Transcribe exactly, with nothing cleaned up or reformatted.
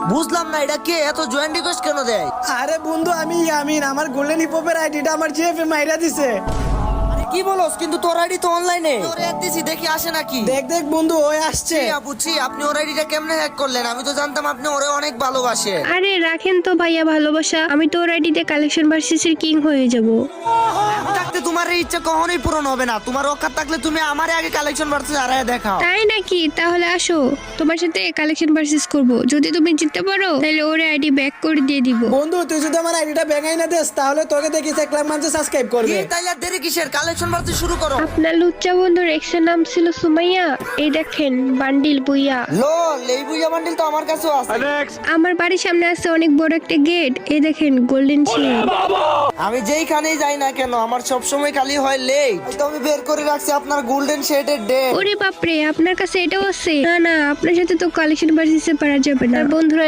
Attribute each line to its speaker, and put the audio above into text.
Speaker 1: বুঝলাম না এটা কে এত জয়েন্ট রিকোয়েস্ট কেন দেয়?
Speaker 2: আরে বন্ধু আমি ইয়ামিন, আমার গোল্ডেন হিপহপের আইডিটা আমার জিএফএ মাইরা দিছে।
Speaker 1: আরে কি বলস? কিন্তু তোর আইডি তো অনলাইনে। ওরে অ্যাড দিছি, দেখি আসে নাকি।
Speaker 2: দেখ দেখ বন্ধু ওই আসছে।
Speaker 1: জি বুঝছি, আপনি ওর আইডিটা কেমনে হ্যাক করলেন? আমি তো জানতাম আপনি ওরে অনেক ভালোবাসেন।
Speaker 3: আরে রাখেন তো ভাইয়া ভালোবাসা, আমি তো ওর আইডিতে কালেকশন ভার্সেসের কিং হয়ে যাব।
Speaker 1: আমি থাকতে তোমার এই ইচ্ছা কখনোই পূরণ হবে না। তোমার অকাত থাকলে তুমি আমারে আগে কালেকশন ভার্সেস হারায় দেখাও।
Speaker 3: তাই নাকি? তাহলে আসো, তোমার সাথে কালেকশন ভার্সেস করব। যদি তুমি জিততে পারো তাহলে ওর আইডি ব্যাক করে দিয়ে দিব।
Speaker 2: বন্ধু তুই যদি আমার আইডিটা ব্যাঙাই না দেস তাহলে তোকে দেখি এক লাখ মানুষ সাবস্ক্রাইব
Speaker 1: কি
Speaker 2: করবে।
Speaker 1: তাইলে আর দেরি কিসের? কালেকশন ভার্সেস শুরু করো।
Speaker 3: আপনার লুচ্চা বন্ধুর এক্সের নাম ছিল সুমাইয়া। এই দেখেন বান্ডিল বুইয়া।
Speaker 1: লল, এই বুইয়া বান্ডিল তো আমার কাছেও আছে।
Speaker 3: আমার বাড়ির সামনে আছে অনেক বড় একটা গেট। এই দেখেন গোল্ডেন শেড।
Speaker 1: আমি যেইখানেই যাই না কেন আমার সব সময় খালি হয় লেট। তো আমি বের করে রাখছি আপনার গোল্ডেন শেডের ডেট।
Speaker 3: ওরে বাপরে, আপনার কাছে এটাও আছে? না না, আপনার সাথে তো কালেকশন ভার্সেসে পারা যাবে না। আর বন্ধুরা